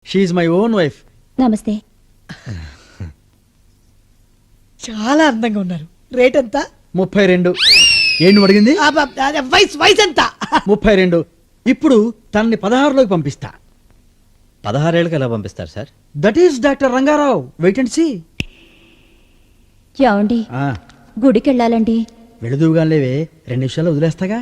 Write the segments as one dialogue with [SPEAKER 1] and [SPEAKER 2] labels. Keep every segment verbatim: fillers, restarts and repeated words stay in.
[SPEAKER 1] She my own wife.
[SPEAKER 2] నమస్తే.
[SPEAKER 3] చాలా అందంగా ఉన్నారు. రేట్ ఎంత?
[SPEAKER 1] ముప్పై రెండు. ఏంటి అడిగింది?
[SPEAKER 3] వయసు వయసు ఎంత?
[SPEAKER 1] ముప్పై రెండు. ఇప్పుడు తనని పదహారులోకి పంపిస్తా.
[SPEAKER 4] పదహారేళ్ళకి ఎలా పంపిస్తారు sir?
[SPEAKER 1] That is doctor Rangarao. Wait and see.
[SPEAKER 2] ఏమండి, గుడికి వెళ్ళాలండి.
[SPEAKER 1] వెళుదువుగా లేవే, రెండు నిమిషాలు వదిలేస్తాగా.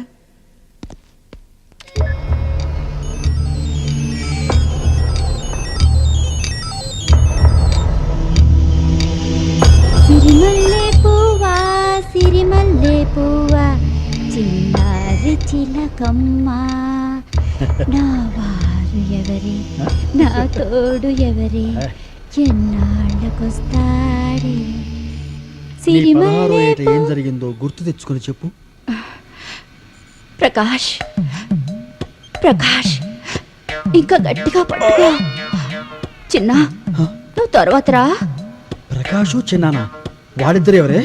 [SPEAKER 2] సిరిమల్లె పువ్వా సిరిమల్లె పువ్వా చిన్నారి చిలకమ్మ, నా వారు ఎవరి, నా తోడు ఎవరి, ఎన్నాళ్ళకొస్తాడే. సిరిమల్లె
[SPEAKER 1] ఏం జరిగిందో గుర్తు తెచ్చుకొని చెప్పు.
[SPEAKER 2] ప్రకాష్, ప్రకాష్ ఇంకా గట్టిగా పట్టుకో. చిన్న, నువ్వు తర్వాత రా.
[SPEAKER 1] ప్రకాషు చిన్నానా, వాడిద్దరు ఎవరే?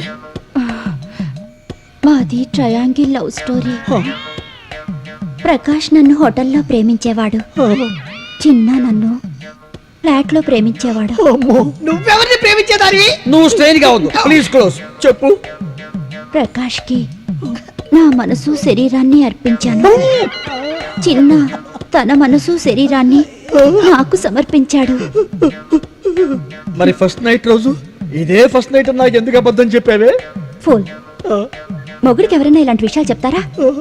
[SPEAKER 2] మాది ట్రయాంగిల్ లవ్ స్టోరీ. ప్రకాష్ నన్ను హోటల్లో ప్రేమించేవాడు, చిన్న నన్ను ఫ్లాట్ లో ప్రేమించేవాడు.
[SPEAKER 3] నువ్వెవరిని ప్రేమించేదానివి?
[SPEAKER 1] నువ్వు స్ట్రెయిన్ గా ఉంది. Please close. చెప్పు.
[SPEAKER 2] ప్రకాష్ కి నా మనసు శరీరాన్ని అర్పించాను. చిన్న తన మనసు శరీరాన్ని నాకు సమర్పించాడు.
[SPEAKER 1] మరి ఫస్ట్ నైట్ రోజు ఇదే ఫస్ట్ నైట్ నాకు ఎందుకు అబద్ధం చెప్పావే?
[SPEAKER 2] ఫోన్ మొగుడికి ఎవరైనా ఇలాంటి విషయాలు చెప్తారా?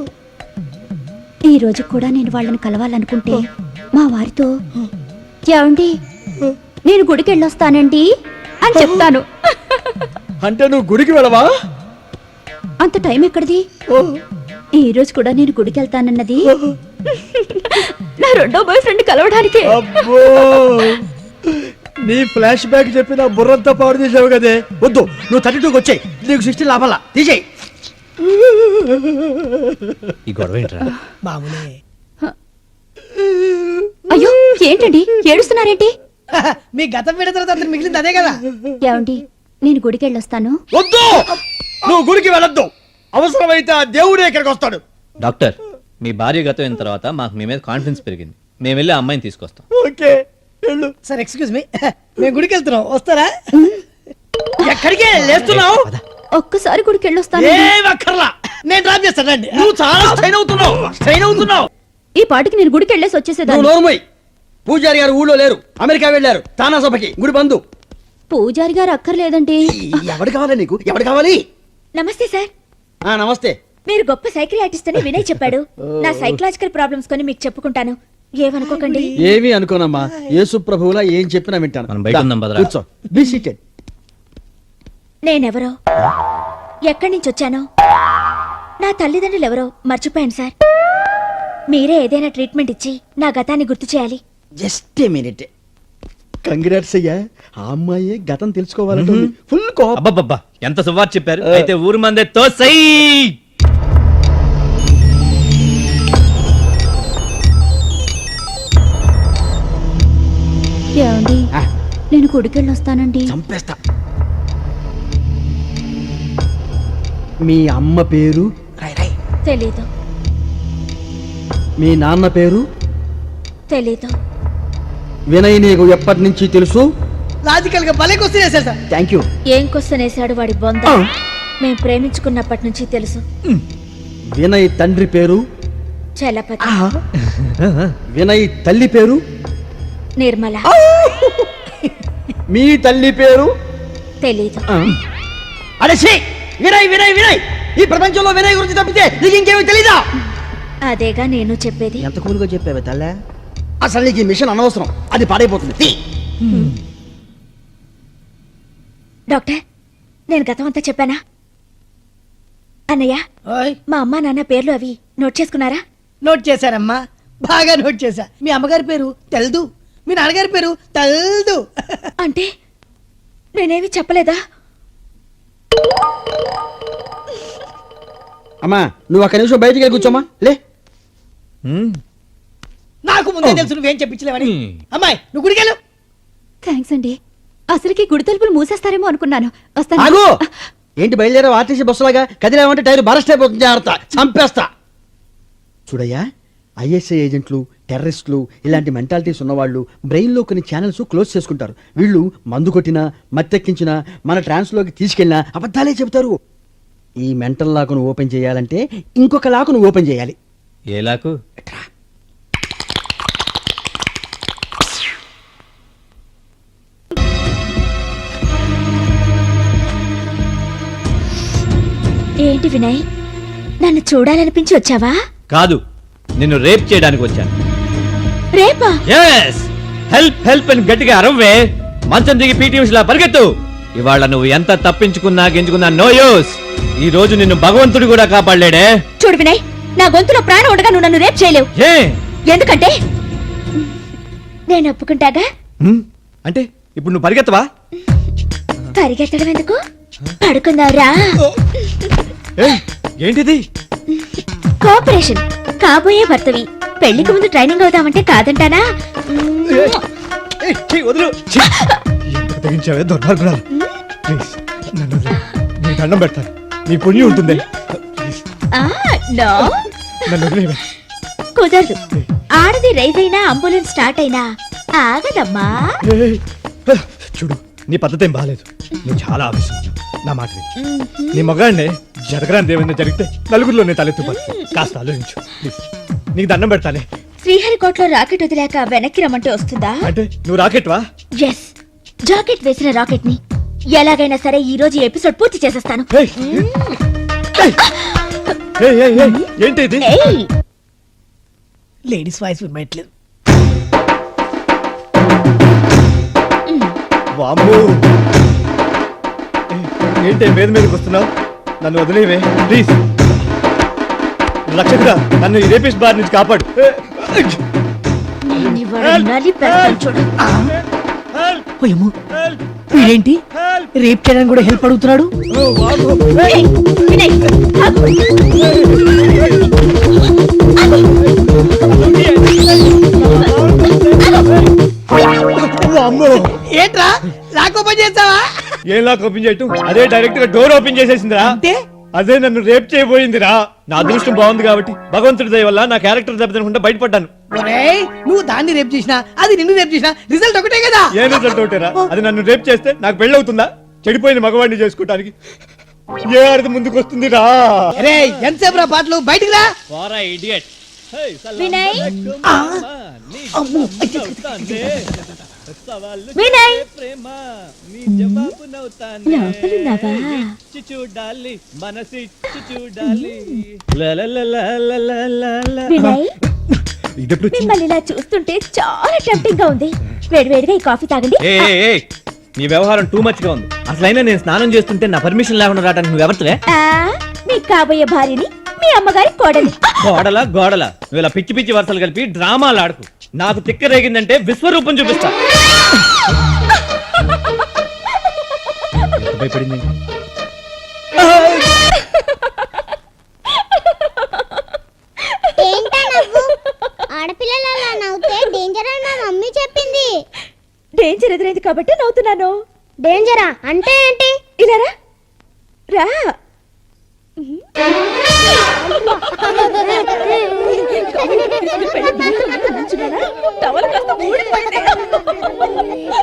[SPEAKER 2] ఈ రోజు కూడా నేను వాళ్ళని కలవాలనుకుంటే మా వారితో, ఏమండి నేను గుడికి వెళ్ళొస్తానండి అని చెప్తాను.
[SPEAKER 1] అంటే నువ్వు గుడికి వెళ్ళవా?
[SPEAKER 2] అంత టైం ఎక్కడిది? ఈ రోజు కూడా నేను గుడికి వెళ్తానన్నది నా రెండో బాయ్ ఫ్రెండ్ కలవడానికి.
[SPEAKER 1] అబ్బో, నీ ఫ్లాష్ బ్యాక్ చెప్పి నా బుర్రంతా పాడు చేసావు కదే. వద్దు, నువ్వు థర్టీ టూకి వచ్చాయి. నీకు సిక్స్టీ లాభాలా తీసేయి.
[SPEAKER 4] ఈ గొడవ ఏంట్రా?
[SPEAKER 3] మామూలే.
[SPEAKER 2] అయ్యో ఏంటండి ఏడుస్తున్నారేంటి?
[SPEAKER 3] మీ గతం విడిన తర్వాత అతను మిగిలింది అదే కదా.
[SPEAKER 2] ఏమండి నేను గుడికి వెళ్ళొస్తాను.
[SPEAKER 1] వద్దు, నువ్వు గుడికి వెళ్ళొద్దు. అవసరమైతే ఆ దేవుడే ఇక్కడికి వస్తాడు.
[SPEAKER 4] డాక్టర్, మీ భార్య గతం అయిన తర్వాత మాకు మీ మీద కాన్ఫిడెన్స్ పెరిగింది. మేము వెళ్ళి ఆ అమ్మాయిని తీసుకొస్తాం.
[SPEAKER 1] ఓకే వెళ్ళు.
[SPEAKER 3] సార్ ఎక్స్క్యూజ్ మీ, మేము గుడికి వెళ్తున్నాం, వస్తారా? ఎక్కడికి లేస్తున్నావు?
[SPEAKER 2] ఒక్కసారి గుడికి వెళ్ళొస్తాను.
[SPEAKER 3] ఏం అక్కర్లా, నేను డ్రాప్ చేస్తానండి.
[SPEAKER 1] నువ్వు చాలా స్ట్రైన్ అవుతున్నావు, స్ట్రైన్ అవుతున్నావు.
[SPEAKER 2] ఈ పాటికి నేను గుడికి వెళ్ళేసి
[SPEAKER 1] నువ్వు
[SPEAKER 2] వచ్చేసేదాన్ని.
[SPEAKER 1] నోరుమోయ్. పూజారి గారు ఊళ్ళో లేరు, అమెరికా వెళ్ళారు. తానా సభకి గుడి బంధు.
[SPEAKER 2] పూజారి గారు అక్కర్లేదండి.
[SPEAKER 1] ఎవడు కావాలి నీకు? ఎవడు కావాలి?
[SPEAKER 5] నమస్తే సార్.
[SPEAKER 1] ఆ నమస్తే.
[SPEAKER 5] మీరు గొప్ప సైకియాట్రిస్ట్ అని వినయ్ చెప్పాడు. నా సైకలాజికల్ ప్రాబ్లమ్స్ కొని మీకు చెప్పుకుంటాను, ఏమనుకోకండి.
[SPEAKER 1] ఏమీ అనుకోనమ్మా, యేసు ప్రభువులా ఏం చెప్పినా వింటాను.
[SPEAKER 4] మనం బయట ఉందాం భద్రా.
[SPEAKER 1] కూర్చో. Be seated.
[SPEAKER 5] నేనెవరో, ఎక్కడి నుంచి వచ్చానో, నా తల్లిదండ్రులు ఎవరో మర్చిపోయాను సార్. మీరే ఏదైనా ట్రీట్మెంట్ ఇచ్చి నా గతాన్ని గుర్తు చేయాలి.
[SPEAKER 1] Just a minute. కంగ్రాట్స్ అయ్యా, ఆ అమ్మాయి గతం తెలుసుకోవాలంటే ఫుల్ కోపం.
[SPEAKER 4] అబ్బబ్బబ్బా, ఎంత సువార్ చెప్పారు. అయితే ఊరు మందే తోసై.
[SPEAKER 2] ఏమండి నేను గుడికి వెళ్ళొస్తానండి.
[SPEAKER 1] చంపేస్తా. మీ అమ్మ పేరు?
[SPEAKER 5] తెలీదు.
[SPEAKER 1] మీ నాన్న పేరు?
[SPEAKER 5] తెలీదు.
[SPEAKER 1] వినయ్ నీకు ఎప్పటి నుంచి తెలుసు?
[SPEAKER 3] లాజికల్ గా భలే క్వశ్చన్ చేశారు సార్.
[SPEAKER 1] Thank you.
[SPEAKER 5] ఏం క్వశ్చన్ వేశాడు వాడి బొంద. మేం ప్రేమించుకున్నప్పటి నుంచి తెలుసు.
[SPEAKER 1] వినయ్ తండ్రి పేరు?
[SPEAKER 5] చలపతి.
[SPEAKER 1] వినయ్ తల్లి పేరు?
[SPEAKER 5] నిర్మల.
[SPEAKER 1] మీ తల్లి పేరు?
[SPEAKER 5] తెలీదు.
[SPEAKER 1] అరే శ్రీ, వినయ్ వినయ్ వినయ్, ఈ ప్రపంచంలో వినయ్ గురించి తప్పితే నీకు ఇంకేమీ తెలీదా?
[SPEAKER 5] అదేగా నేను చెప్పేది.
[SPEAKER 1] ఎంత కూలుగా చెప్పావే తల్లే. అసలు నీకు ఈ మిషన్ అనవసరం, అది పాడైపోతుంది.
[SPEAKER 5] డాక్టర్, నేను గతం అంతా చెప్పానా? అన్నయ్య, మా అమ్మా నాన్న పేర్లు అవి నోట్ చేసుకున్నారా?
[SPEAKER 3] నోట్ చేశారమ్మా, బాగా నోట్ చేశా. మీ అమ్మగారి పేరు తెల్దు, మీ నాన్నగారి పేరు తెల్దు.
[SPEAKER 5] అంటే నేనేమి చెప్పలేదా?
[SPEAKER 1] అమ్మా నువ్వు ఒక్క నిమిషం బయటికి వెళ్ళి కూర్చోమ్మా. లే,
[SPEAKER 3] నాకు ముందే తెలుసు నువ్వేం చెప్పించలేవని. అమ్మాయి నువ్వు గుడికెళ్ళు.
[SPEAKER 2] థ్యాంక్స్ అండి. అసలుకి గుడి తలుపులు మూసేస్తారేమో అనుకున్నాను. వస్తాను.
[SPEAKER 1] ఆగు. ఏంటి బయలుదేరా? ఆర్టీసీ బస్సులాగా కదిలేమంటే టైర్ బరస్ట్ అయిపోతుంది. జాగ్రత్త, చంపేస్తా. చూడయ్యా, ఐఎస్ఐ ఏజెంట్లు, టెర్రరిస్టులు ఇలాంటి మెంటాలిటీస్ ఉన్నవాళ్ళు బ్రెయిన్లో కొన్ని ఛానల్స్ క్లోజ్ చేసుకుంటారు. వీళ్ళు మందు కొట్టినా మత్తెక్కించినా మన ట్రాన్స్లోకి తీసుకెళ్ళినా అబద్ధాలే చెబుతారు. ఈ మెంటల్ లాకును ఓపెన్ చేయాలంటే ఇంకొక లాకును ఓపెన్ చేయాలి.
[SPEAKER 4] ఏ లాకు?
[SPEAKER 5] ఏంటి వినయ్, నన్ను చూడాలనిపించి వచ్చావా?
[SPEAKER 4] కాదు, నిన్ను రేప్ చేయడానికి వచ్చాను.
[SPEAKER 5] రేపా?
[SPEAKER 4] ఎస్, హెల్ప్ హెల్ప్ అని గట్టిగా అరవే. మంచం దిగి పీటీ ఉషలా పరిగెత్తు. ఇవాళ నువ్వు ఎంత తప్పించుకున్నా గెంచుకున్నా నో యూస్. ఈ రోజు నిన్ను భగవంతుడు కూడా కాపాడలేడే.
[SPEAKER 5] చూడు వినయ్, నా గొంతులో ప్రాణం ఉండగా నువ్వు నన్ను రేప్ చేయలేవు.
[SPEAKER 4] ఏ
[SPEAKER 5] ఎందుకంటే నేను ఒప్పుకుంటాగా.
[SPEAKER 4] హ్మ్? అంటే ఇప్పుడు నువ్వు పరిగెత్తవా?
[SPEAKER 5] పరిగెత్తడం ఎందుకు, పడుకుందావురా.
[SPEAKER 4] ఏయ్, ఏంటిది?
[SPEAKER 5] కోఆపరేషన్. కాబోయే భర్తవి, పెళ్లికి ముందు ట్రైనింగ్ అవుదామంటే కాదంటానా?
[SPEAKER 1] ఏయ్, ఏయ్, వదిలు. ఛీ! ఎంత తెగించావే దుర్మార్గురాలు. ప్లీజ్ నన్ను వదిలేయ్. నీ దండం పెడతాను, నీ పుణ్యం ఉంటుంది. ప్లీజ్
[SPEAKER 5] ఆ, నో,
[SPEAKER 1] నన్ను వదిలేయ్.
[SPEAKER 5] కుదరదు. ఆడది రైజ్ అయినా అంబులెన్స్ స్టార్ట్ అయినా ఆగదమ్మా.
[SPEAKER 1] ఏయ్, చూడు, నీ పద్ధతి ఏం బాగాలేదు. నువ్వు చాలా ఆవేశం. నా మాట విను. నీ మగాడిని జరగరాని ఏమైనా జరిగితే నలుగురిలో నేను తలెత్తుపా. కాస్త ఆలోచించు ప్లీజ్. నీకు దండం పెడతానే.
[SPEAKER 5] శ్రీహరికోటలో రాకెట్ వదిలాక వెనక్కి రమ్మంటే వస్తుందా?
[SPEAKER 1] అంటే నువ్వు రాకెట్వా?
[SPEAKER 5] ఎస్, జాకెట్ వేసిన రాకెట్ ని ఎలాగైనా సరే ఈ రోజు ఈ ఎపిసోడ్ పూర్తి చేసేస్తాను.
[SPEAKER 1] ఏయ్, ఏయ్, ఏయ్, ఏయ్, ఏయ్, ఏంటి ఇది?
[SPEAKER 5] ఏయ్,
[SPEAKER 3] లేడీస్ వాయిస్ వినట్లేదు.
[SPEAKER 1] వామ్మో. ఏయ్, ఏంటి మీద మీదకి వస్తున్నావు? నన్ను వదిలేవే ప్లీజ్. రక్షకుడా, నన్ను ఈ రేపిస్ట్ బార్ నుంచి కాపాడు. ఏయ్,
[SPEAKER 5] నేను ఇవాళ నలిపేస్తాను చూడు.
[SPEAKER 3] పోయమ్ము, వీడేంటి రేప్ చేయడానికి కూడా హెల్ప్ అడుగుతున్నాడు?
[SPEAKER 1] ఓ, వామ్మో. ఏయ్,
[SPEAKER 5] ఏయ్, వినయ్, ఆగు.
[SPEAKER 1] వామ్మో.
[SPEAKER 3] ఏంట్రా లాక్ ఓపెన్ చేస్తావా?
[SPEAKER 1] ఏం లాక్ ఓపెన్ చేయటం? అదే డైరెక్ట్ గా డోర్ ఓపెన్ చేసేసిందిరా.
[SPEAKER 3] అంటే
[SPEAKER 1] అదే నన్ను రేప్ చేయబోయిందిరా. నా అదృష్టం బాగుంది కాబట్టి భగవంతుడి దయ వల్ల నా క్యారెక్టర్ దెబ్బతినకుండా బయటపడ్డాను.
[SPEAKER 3] ఒరేయ్, నువ్వు దాన్ని రేప్ చేసినా అది నిన్ను రేప్ చేసినా రిజల్ట్ ఒకటే కదా.
[SPEAKER 1] ఏ రిజల్ట్ ఒకటేరా? అది నన్ను రేప్ చేస్తే నాకు పెళ్ళవుతుందా? చెడిపోయిన మగవాడిని చేసుకోవటానికి ఏ అర్థం ముందుకు వస్తుందిరా?
[SPEAKER 3] అరే ఎంతసేపు రా పాటలు, బయటికి రా.
[SPEAKER 4] పోరా ఇడియట్.
[SPEAKER 5] వినయ్,
[SPEAKER 3] ఆ, అమ్మో.
[SPEAKER 5] వినయ్,
[SPEAKER 4] ప్రేమ నీ జవాబు నవ్వుతానే.
[SPEAKER 5] లోపలున్నావా?
[SPEAKER 4] ఇచ్చి చూడాలి, మనసిచ్చి చూడాలి. లలలలలలలల.
[SPEAKER 5] వినయ్,
[SPEAKER 1] ఇదెప్పుడు వచ్చింది?
[SPEAKER 5] మిమ్మల్ని ఇలా చూస్తుంటే చాలా టెంప్టింగ్ గా ఉంది. వేడివేడిగా ఈ కాఫీ తాగండి.
[SPEAKER 4] ఏ ఏ, ఏ, నీ వ్యవహారం టూ మచ్ గా ఉంది. అసలైనా నేను స్నానం చేస్తుంటే నా పర్మిషన్ లేకుండా రావడానికి నువ్వు ఎవరితోనే?
[SPEAKER 5] ఆ, మీ కాబోయే భార్యని మీ అమ్మగారి కోడలి.
[SPEAKER 4] గోడల గోడల నువ్వు ఇలా పిచ్చి పిచ్చి వరుసలు కలిపి డ్రామాలు ఆడుకు. నాకు తిక్క రేగిందంటే విశ్వరూపం చూపిస్తా. ఎంత భయపడింది?
[SPEAKER 6] ఏంటా నవ్వు? ఆడపిల్లలు అలా నవ్వుతే డేంజర్ అని మా మమ్మీ చెప్పింది.
[SPEAKER 5] డేంజర్ ఎదురైంది కాబట్టి నవ్వుతున్నాను.
[SPEAKER 6] డేంజరా అంటే ఏంటి?
[SPEAKER 5] ఇలా రా. రా. టవల్ కాస్త ఊడిపోయింది.